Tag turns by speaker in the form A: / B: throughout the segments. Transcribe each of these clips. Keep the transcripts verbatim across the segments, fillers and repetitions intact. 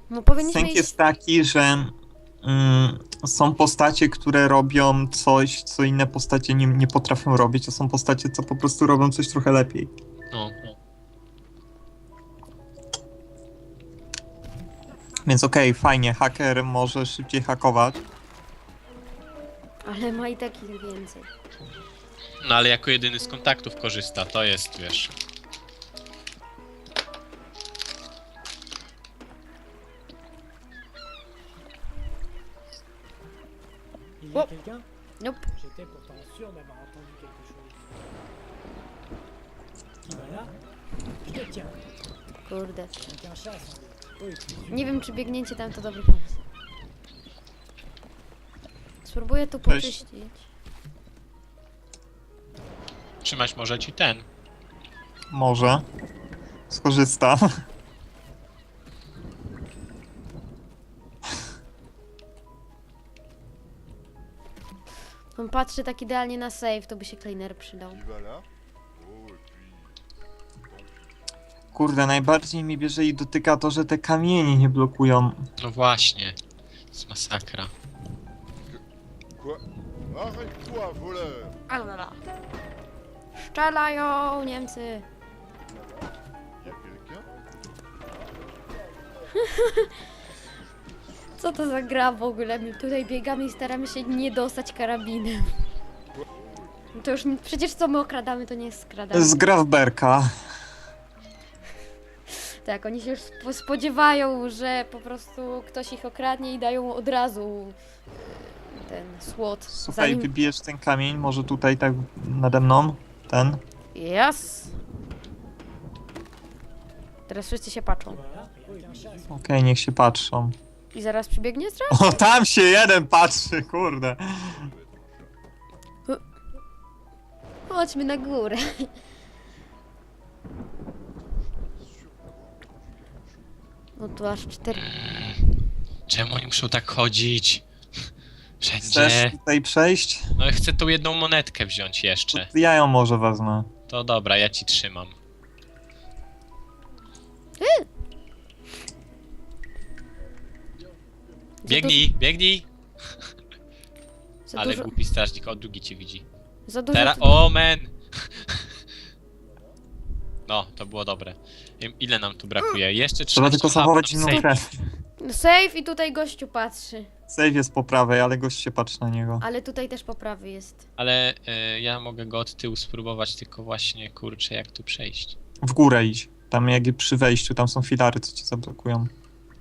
A: No powinniśmy
B: Sęk
A: iść...
B: jest taki, że mm, są postacie, które robią coś, co inne postacie nie, nie potrafią robić, a są postacie, co po prostu robią coś trochę lepiej.
C: No, no.
B: Więc okej, okay, fajnie, haker może szybciej hakować.
A: Ale ma i tak ich więcej.
C: No ale jako jedyny z kontaktów korzysta, to jest, wiesz.
D: Il y a
A: Oh.
D: quelqu'un?
A: Nope.
D: J'étais pourtant sûr d'avoir entendu quelque chose. Qui va là? Je te tiens.
A: Kurde.
D: Quelqu'un chasse. Oui, tu
A: Nie wiem, czy biegnięcie tam to dobry pomysł. Spróbuję tu
B: Cześć.
A: poczyścić.
C: Trzymać może ci ten.
B: Może. Skorzysta.
A: On patrzy tak idealnie na save, to by się cleaner przydał.
E: Il va là. Oh, et puis.
B: Kurde, najbardziej mi bierze i dotyka to, że te kamienie nie blokują.
C: No właśnie. To jest masakra.
E: Quoi? Arrête-toi, voleur!
A: Alala. Szczelają Niemcy.
E: Y a quelqu'un?
A: Co to za gra w ogóle? My tutaj biegamy i staramy się nie dostać karabinem. To już przecież co my okradamy, to nie jest
B: To
A: skradanie.
B: jest gra w berka.
A: Tak, oni się już spo- spodziewają, że po prostu ktoś ich okradnie i dają od razu e, ten słod.
B: Słuchaj, wybijesz ten kamień, może tutaj tak nade mną, ten.
A: Yes! Teraz wszyscy się patrzą.
D: voilà. Quelqu'un chasse.
B: Okej, niech się patrzą.
A: I zaraz przybiegnie straż?
B: O, tam się jeden patrzy, kurde.
A: Chodźmy na górę. No tu aż cztery...
C: Czemu oni muszą tak chodzić?
B: Chcesz
C: Wszędzie.
B: tutaj przejść?
C: No chcę tą jedną monetkę wziąć jeszcze.
B: Ja ją może wezmę.
C: To dobra, ja ci trzymam. Biegnij, biegnij!
A: Za
C: Ale
A: dużo...
C: głupi strażnik, o drugi cię widzi.
A: Za dużo...
C: Teraz,
A: tu-
C: o men! No, to było dobre. Wiem, ile nam tu brakuje? Jeszcze
B: Trzeba tylko zachować
C: inną
B: inną krew.
A: No save i tutaj gościu patrzy.
B: Save jest po prawej, ale gość się patrzy na niego.
A: Ale tutaj też poprawy jest.
C: Ale y, ja mogę go od tyłu spróbować, tylko właśnie, kurczę, jak tu przejść.
B: W górę idź. Tam jak przy wejściu, tam są filary, co cię zablokują.
E: Oh,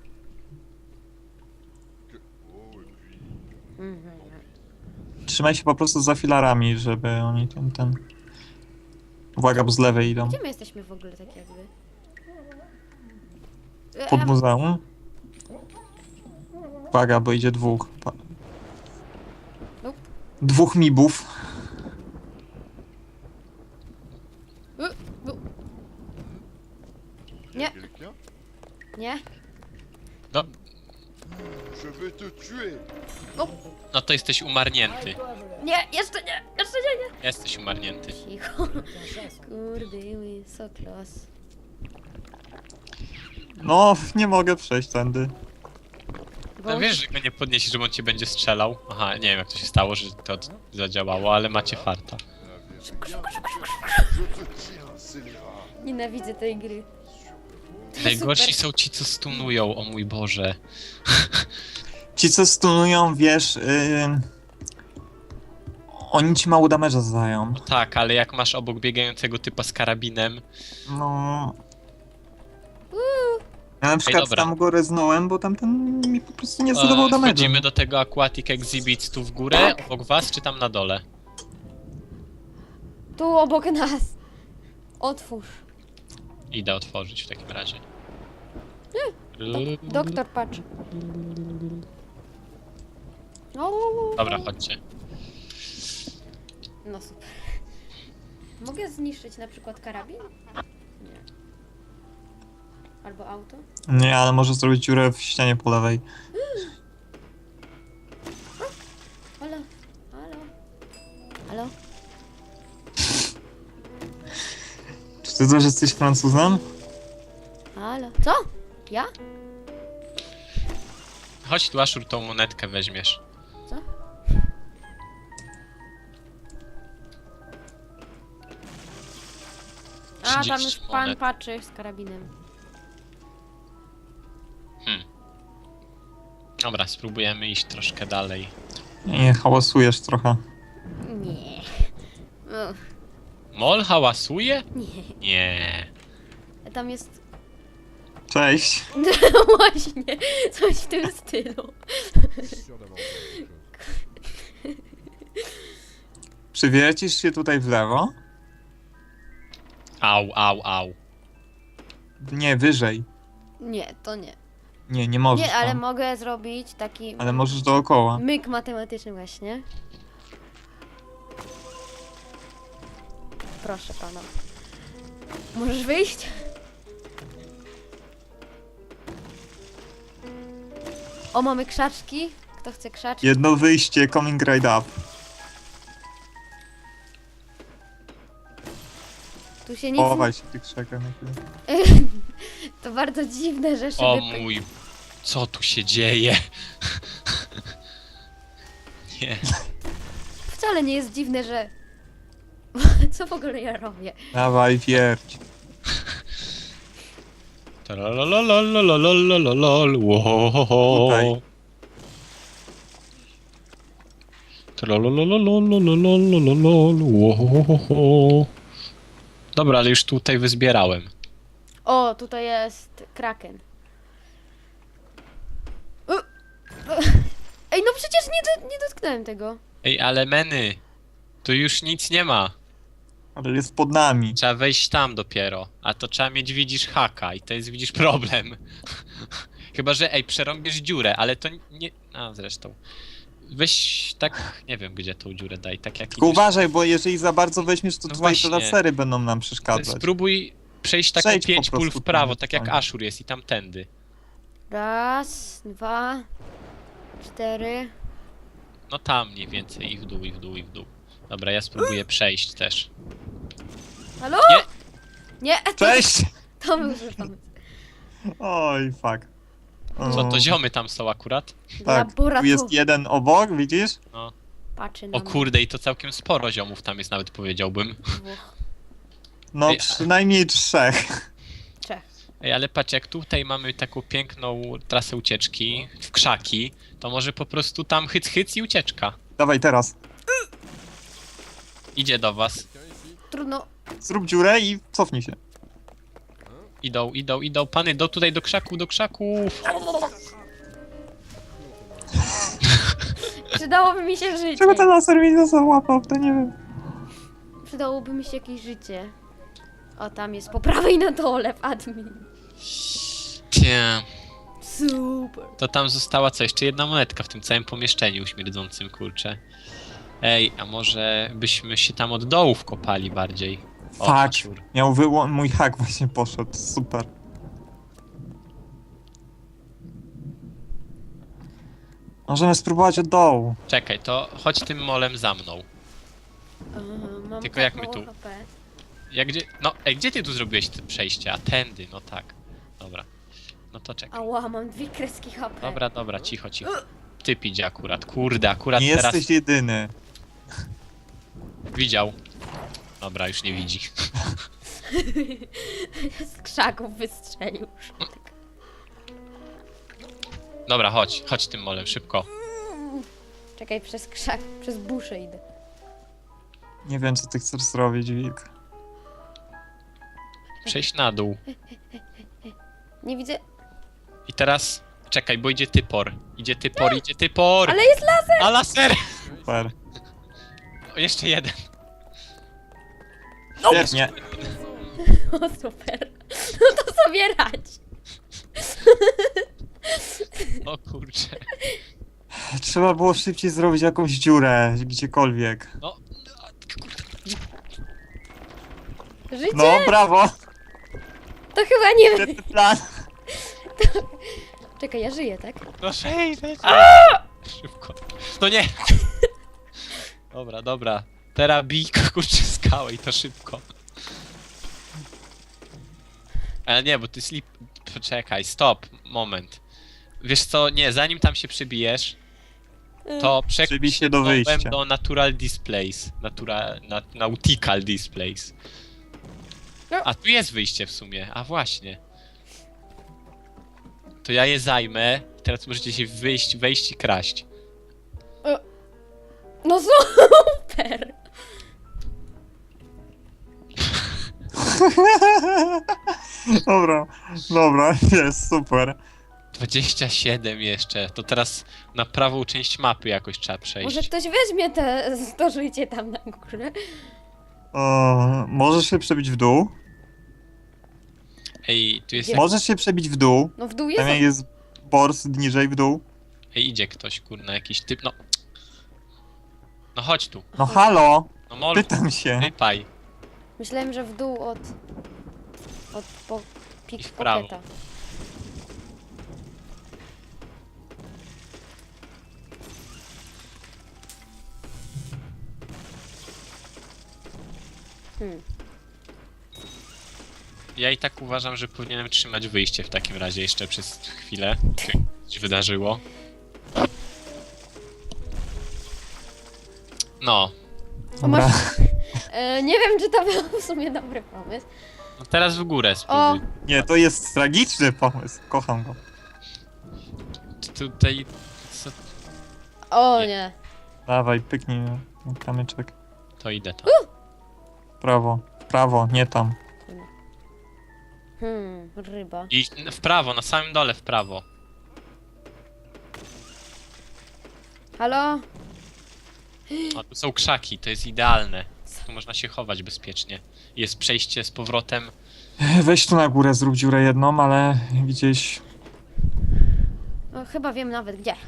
E: et puis.
A: Mhm.
B: Trzymaj się po prostu za filarami, żeby oni ten, ten... Uwaga, bo z lewej idą.
A: Gdzie my jesteśmy w ogóle tak jakby? E,
B: Pod
A: a-
B: muzeum. Uwaga, bo idzie dwóch. Pa-
A: Nope.
B: Dwóch mibów.
A: e, no,
E: Y a
A: Nie.
E: quelqu'un?
A: Nie?
C: No,
E: Je vais te tuer!
C: no to jesteś umarnięty.
D: Toi, voleur.
A: Nie, jeszcze nie, jeszcze nie, nie.
C: Jesteś umarnięty.
A: Cicho.
D: Quelqu'un chasse.
A: Kurde, my, so close.
B: No, nie mogę przejść tędy.
C: No wiesz, że go nie podniesiesz, że on cię będzie strzelał. Aha, nie wiem jak to się stało, że to zadziałało, ale macie farta.
E: L'avez bien. Je te tiens, scélérat!
A: Nienawidzę tej gry.
C: Najgorsi
A: super.
C: są ci, co stunują, o mój Boże.
B: Ci, co stunują, wiesz... Yy... Oni ci mało damage'a zadają.
C: Tak, ale jak masz obok biegającego typa z karabinem,
B: No... Ja na przykład
C: dobra.
B: tam go reznąłem, bo tamten mi po prostu nie
C: e,
B: zadawał damage'a.
C: wchodzimy do tego Aquatic Exhibit tu w górę, obok was, czy tam na dole?
A: Tu obok nas. Otwórz.
C: Idę otworzyć w takim razie.
A: Do, doktor, patrz. O,
C: Dobra, chodźcie.
A: no super. Mogę zniszczyć na przykład karabin? Nie. Albo auto?
B: Nie, ale może zrobić dziurę w ścianie po lewej.
A: Halo? Halo? Halo?
B: Czy ty też jesteś Francuzem?
A: Halo? Co? Ja?
C: chodź tu, Ashur, tą monetkę weźmiesz.
A: Co? A, tam już
C: trzydzieści
A: pan
C: monet.
A: patrzy z karabinem.
C: Hmm. Dobra, spróbujemy iść troszkę dalej.
B: Nie, hałasujesz trochę.
A: Nie. Uch,
C: Mol hałasuje?
A: nie.
C: Nie.
A: Tam jest...
B: Cześć.
A: Właśnie, coś w tym stylu.
B: Przywiercisz się tutaj w lewo?
C: Au, au, au.
B: Nie, wyżej.
A: Nie, to nie.
B: Nie, nie możesz
A: Nie, ale
B: tam.
A: mogę zrobić taki
B: Ale możesz dookoła.
A: myk matematyczny właśnie. Proszę pana. Możesz wyjść? O, mamy krzaczki. Kto chce krzaczki?
B: Jedno wyjście, coming right up.
A: Tu się nic...
B: Chowaj się w tych krzakach na chwilę.
A: To bardzo dziwne, że szyby...
C: O
A: pę-
C: mój... Co tu się dzieje? Nie.
A: Wcale nie jest dziwne, że... Co w ogóle ja robię?
B: Dawaj, wierć.
C: Tralalalalalalalalalal, łohohoho.
B: Tutaj.
C: Tralalalalalalalalalal, łohohoho. Dobra, ale już tutaj wyzbierałem.
A: O, tutaj jest kraken. U! Ej, no przecież nie, do, nie dotknąłem tego.
C: Ej, ale meny. Tu już nic nie ma.
B: Ale jest pod nami.
C: Trzeba wejść tam dopiero. A to trzeba mieć, widzisz, haka i to jest, widzisz, problem. Chyba, że ej, przerąbiesz dziurę, ale to nie... A, zresztą. Weź tak, nie wiem gdzie tą dziurę daj, tak jak
B: Tylko
C: idziesz.
B: uważaj, bo jeżeli za bardzo weźmiesz, to
C: No
B: twoje te
C: właśnie.
B: lasery będą nam przeszkadzać.
C: Spróbuj przejść taką
B: Przejdź po
C: pięć pól
B: prostu
C: w prawo,
B: tam,
C: tak jak
B: tam.
C: Ashur jest i tamtędy.
A: Raz, dwa, cztery.
C: No tam mniej więcej, i w dół, i w dół, i w dół. Dobra, ja spróbuję przejść też.
A: Halo?
C: Nie.
A: Nie, to,
B: Cześć!
A: to był zły pomysł.
B: Oj, fuck. O,
C: Co, to ziomy tam są akurat?
B: Tak, tu
A: Laborator-
B: jest jeden obok, widzisz?
C: No.
A: Patrzy na
C: O kurde, i to całkiem sporo ziomów tam jest nawet, powiedziałbym.
A: mnie. Dwóch,
B: No,
C: Ej, a-
B: przynajmniej trzech.
A: trzech.
C: Ej, ale patrz, jak tutaj mamy taką piękną trasę ucieczki w krzaki, to może po prostu tam hyc hyc i ucieczka.
B: Dawaj teraz.
C: Idzie do was.
A: Trudno.
B: Zrób dziurę i cofnij się.
C: Idą, idą, idą, pany, do tutaj, do krzaków, do krzaków.
A: Przydałoby mi się życie.
B: Czego ten laser mi to załapał? To nie wiem.
A: Przydałoby mi się jakieś życie. O, tam jest po prawej na dole w admin.
C: Cie.
A: Super.
C: To tam została co? Jeszcze jedna monetka w tym całym pomieszczeniu śmierdzącym, kurczę. Ej, a może byśmy się tam od dołu wkopali bardziej? O,
B: Fuck.
C: Ashur.
B: Miał wyłą... Mój hak właśnie poszedł. Super. Możemy spróbować od dołu.
C: Czekaj, to chodź tym molem za mną.
A: Aha, mam
C: Tylko
A: tak
C: jak my
A: mało
C: tu?
A: H P.
C: Jak gdzie... No, ej, gdzie ty tu zrobiłeś te przejście? A tędy, no tak. Dobra. No to czekaj.
A: Ała, mam dwie kreski H P.
C: Dobra, dobra, cicho, cicho. Typ idzie akurat, kurde, akurat
B: Nie
C: teraz
B: jesteś jedyny.
C: widział. Dobra, już nie widzi.
A: Z krzaków wystrzelił.
C: Dobra, chodź, chodź tym molem, szybko.
A: Czekaj, przez krzak, przez buszę idę.
B: Nie wiem, co ty chcesz zrobić, wilk.
C: Przejść na dół.
A: Nie widzę.
C: I teraz... Czekaj, bo idzie typor. Idzie typor, idzie typor!
A: Ale jest laser!
C: A laser!
B: Super.
C: O, jeszcze jeden.
B: Świetnie.
A: O, super. No to sobie radź.
C: O kurczę.
B: Trzeba było szybciej zrobić jakąś dziurę, gdziekolwiek.
C: No,
A: Życie?
B: No, brawo!
A: To chyba nie wiem.
B: Świetny plan.
A: Czekaj, ja żyję, tak?
C: no sześć, szybko. No nie! Dobra, dobra. Teraz bij, kurczę, skałę i to szybko. Ale nie, bo ty slip... Poczekaj, stop, moment. Wiesz co, nie, zanim tam się przybijesz, to
B: Przybij
C: przekuj
B: się
C: się
B: do
C: dołem
B: wyjścia.
C: do Natural Displays. Natura, na, nautical Displays.
A: No.
C: A tu jest wyjście w sumie, a właśnie. To ja je zajmę, teraz możecie się wyjść, wejść i kraść.
A: No super!
B: Dobra, dobra, jest, super.
C: dwadzieścia siedem jeszcze, to teraz na prawą część mapy jakoś trzeba przejść.
A: Może ktoś weźmie te stożujcie tam na górę.
B: O, możesz się przebić w dół?
C: Ej, tu jest...
A: Gdzie?
B: Możesz się przebić w dół.
A: No w dół jest...
B: Tam jest bors niżej w dół.
C: Ej, idzie ktoś, kurna, jakiś typ, no... No chodź tu,
B: No halo,
C: no mol,
B: pytam się.
C: wypaj.
A: Myślałem, że w dół od... Od po...
C: I w prawo.
A: pickpocketa. Hmm.
C: Ja i tak uważam, że powinienem trzymać wyjście w takim razie jeszcze przez chwilę. Co się wydarzyło. No.
A: O,
B: Dobra.
A: masz... e, nie wiem, czy to był w sumie dobry pomysł.
C: No teraz w górę
A: O!
C: spróbuj.
B: Nie, to jest tragiczny pomysł. Kocham go.
C: Ty Tutaj... Co?
A: O
C: Nie.
A: nie.
B: Dawaj, pyknij na kamyczek.
C: To idę tam.
B: W prawo, w prawo, nie tam.
A: Hmm, ryba.
C: I w prawo, na samym dole w prawo.
A: Halo?
C: O, tu są krzaki, to jest idealne. Tu można się chować bezpiecznie. Jest przejście z powrotem.
B: Weź tu na górę, zrób dziurę jedną, ale gdzieś...
A: No, chyba wiem nawet gdzie.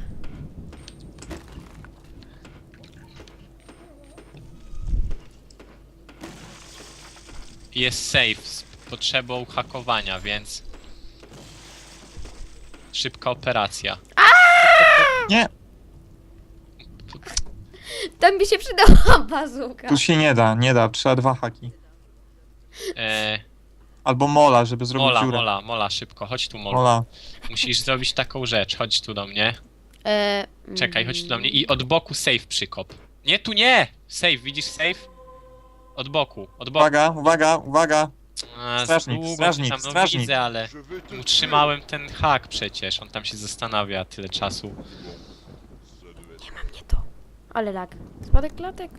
C: Jest safe z potrzebą hakowania, więc... Szybka operacja.
B: Nie,
A: Tam by się przydała bazuka.
B: tu się nie da, nie da, trzeba dwa haki.
C: Eee,
B: Albo mola, żeby zrobić
C: mola,
B: dziurę.
C: mola, mola, szybko, chodź tu mola.
B: Mola.
C: Musisz zrobić taką rzecz, chodź tu do mnie.
A: E,
C: Czekaj, chodź tu do mnie i od boku safe przykop. Nie, tu nie! Safe, widzisz safe? Od boku, od boku.
B: Uwaga, uwaga, uwaga.
C: A,
B: strażnik,
C: długo
B: strażnik,
C: tam, no
B: strażnik.
C: widzę, ale
E: Je vais te
C: utrzymałem ten hak przecież, on tam się zastanawia tyle czasu.
E: Ça devait être
A: Nie mam nie to. Ale lag. Spadek klatek.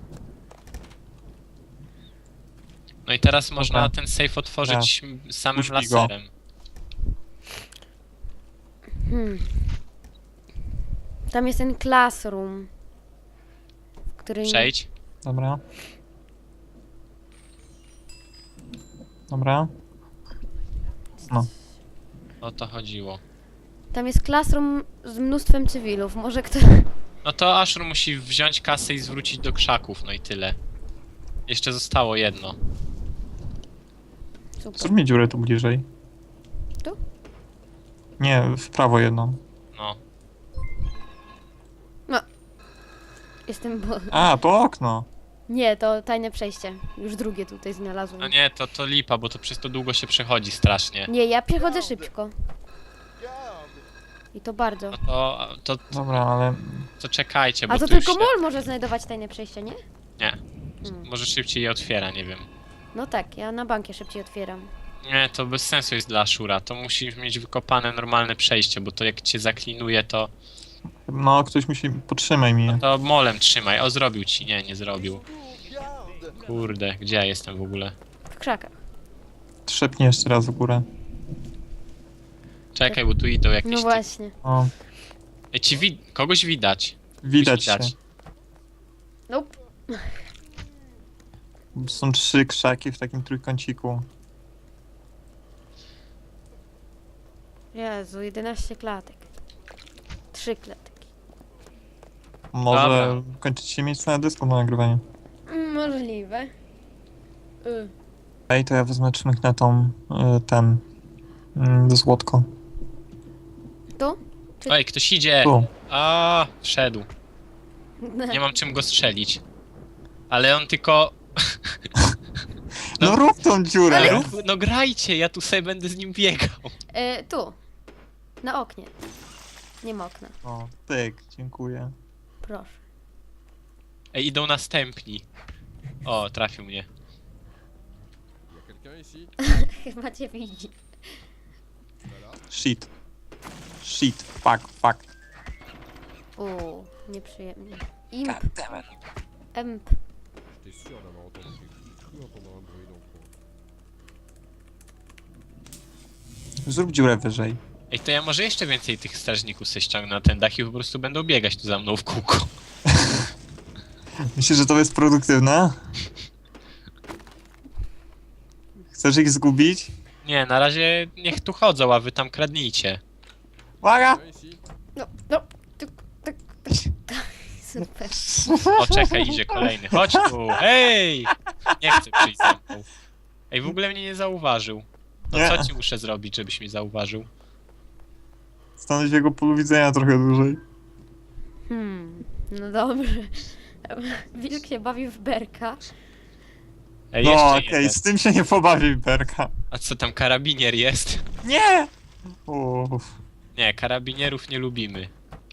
C: No i teraz można
B: Dobra.
C: ten safe otworzyć samym
B: Puść mi go.
C: laserem.
A: Hmm. Tam jest ten classroom. W którym...
C: Przejdź.
B: Dobra. Dobra. No.
C: O to chodziło.
A: Tam jest classroom z mnóstwem cywilów. Może kto...
C: No to Ashur musi wziąć kasę i zwrócić do krzaków, no i tyle. Jeszcze zostało jedno.
A: Super.
B: Zrób mi dziurę tu bliżej.
A: Tu?
B: Nie, w prawo jedną.
C: No.
A: Jestem bo...
B: A, to okno.
A: Nie, to tajne przejście. Już drugie tutaj znalazłem.
C: No nie, to, to lipa, bo to przez to długo się przechodzi strasznie.
A: Nie, ja przechodzę szybko.
E: Garde.
A: I to bardzo.
C: No to, to,
B: Dobra, ale...
C: to czekajcie, bo
A: A to
C: tu już
A: tylko
C: się...
A: mol może znajdować tajne przejście, nie?
C: Nie.
A: Hmm.
C: Może szybciej je otwiera, nie wiem.
A: No tak, ja na bankie szybciej otwieram.
C: Nie, to bez sensu jest dla Ashura. To musisz mieć wykopane normalne przejście, bo to jak cię zaklinuje, to,
B: No, ktoś musi... Potrzymaj mnie.
C: to molem trzymaj. O, zrobił ci. Nie, nie zrobił.
E: Garde.
C: Kurde, gdzie ja jestem w ogóle?
A: W krzakach.
B: Trzepnij jeszcze raz w górę.
C: Czekaj, bo tu idą jakieś...
A: No
C: ty-
A: właśnie.
B: O,
C: Ej, ci wi... kogoś widać.
B: widać się.
C: Widać.
A: Nope.
B: Są trzy krzaki w takim trójkąciku.
A: Jezu, jedenaście klatek. Trzy klatki.
B: Może
C: Dobra.
B: kończycie miejsce na dysku na nagrywanie.
A: Mm, Możliwe. Y.
B: Ej, to ja wezmę czmyk na tą... y, ten... y, złotko.
A: Tu?
C: Ej, ktoś idzie!
B: Tu.
C: A, wszedł. Nie mam czym go strzelić. Ale on tylko...
B: No,
C: No.
B: rób tą dziurę!
A: Ale-
C: Rób, no grajcie, ja tu sobie będę z nim biegał.
A: E, tu. Na oknie. Nie ma okna.
B: O, pyk, dziękuję.
A: Proszę.
C: Ej, idą następni. O, trafił mnie.
E: Y a quelqu'un ici?
A: Chyba cię widzi.
E: Voilà.
B: Shit. Shit, fuck, fuck.
A: Uuu, nieprzyjemnie. Imp. Emp.
E: J'étais sûr d'avoir entendu quelque chose. J'ai cru entendre un bruit dans le coin.
B: Zrób dziurę wyżej.
C: Ej, to ja może jeszcze więcej tych strażników se ściągnę na ten dach i po prostu będą biegać tu za mną w kółko.
B: Myślisz, że to jest produktywne? Chcesz ich zgubić?
C: Nie, na razie niech tu chodzą, a wy tam kradnijcie.
B: Uwaga!
E: Quelqu'un ici?
A: No, no. Tuk, tuk, tuk. Super.
C: O, czekaj, idzie kolejny. Chodź tu, hej! Nie chcę przyjść za mną. Ej, w ogóle mnie nie zauważył. No
B: Nie.
C: co ci muszę zrobić, żebyś mnie zauważył?
B: Stanąć w jego polu widzenia trochę dłużej.
A: Hmm, no dobrze. Wilk się bawi w berka.
C: Ej,
B: No
C: jeszcze
B: okej,
C: jeden.
B: z tym się nie pobawi Berka.
C: A co tam, karabinier jest?
B: Nie! Uff.
C: Nie, karabinierów nie lubimy.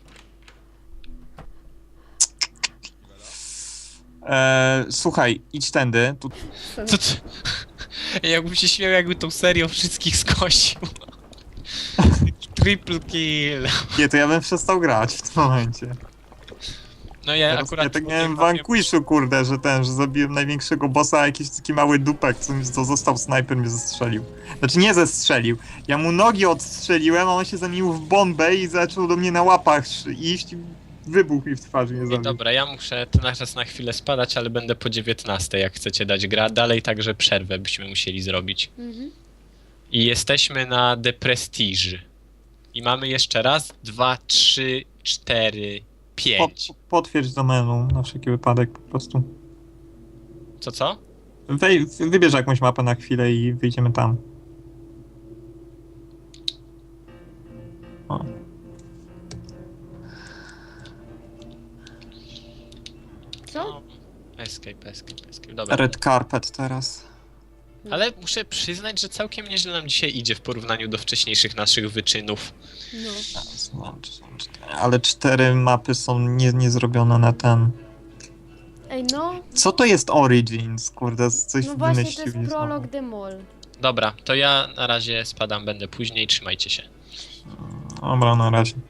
B: Eee, słuchaj, idź tędy. Tu...
C: Co to? Ej, jakbym się śmiał, jakby tą serią wszystkich skosił. Triple kill.
B: Nie, to ja bym przestał grać w tym momencie.
C: No ja
B: Teraz
C: akurat...
B: ja tak
C: nie
B: miałem w
C: bawię-
B: Vanquishu, kurde, że ten, że zabiłem największego bossa, a jakiś taki mały dupek, co, mi- co został snajper, mnie zestrzelił. Znaczy nie zestrzelił. Ja mu nogi odstrzeliłem, a on się zamienił w bombę i zaczął do mnie na łapach sz- iść i wybuchł mi w twarzy, mnie
C: Ej,
B: zabił.
C: dobra, ja muszę na czas na chwilę spadać, ale będę po dziewiętnastej, jak chcecie dać gra. Dalej także przerwę byśmy musieli zrobić.
A: Mhm.
C: I jesteśmy na The Prestige. I mamy jeszcze raz, dwa, trzy, cztery,
B: Po,
C: pięć.
B: potwierdź domenę na wszelki wypadek po prostu.
C: Co, co?
B: Wej, wybierz jakąś mapę na chwilę i wyjdziemy tam. O.
A: Co?
C: No, escape, escape, escape. Dobra.
B: Red carpet teraz.
C: Ale muszę przyznać, że całkiem nieźle nam dzisiaj idzie w porównaniu do wcześniejszych naszych wyczynów.
A: No.
B: Złącz, złącz. Ale cztery mapy są nie, nie zrobione na ten.
A: Ej, no.
B: Co to jest Origins? Kurde, coś
A: No właśnie, to
B: wymyślił.
A: jest
B: znowu.
A: prolog The Mall.
C: Dobra, to ja na razie spadam, będę później, trzymajcie się.
B: Dobra, na razie.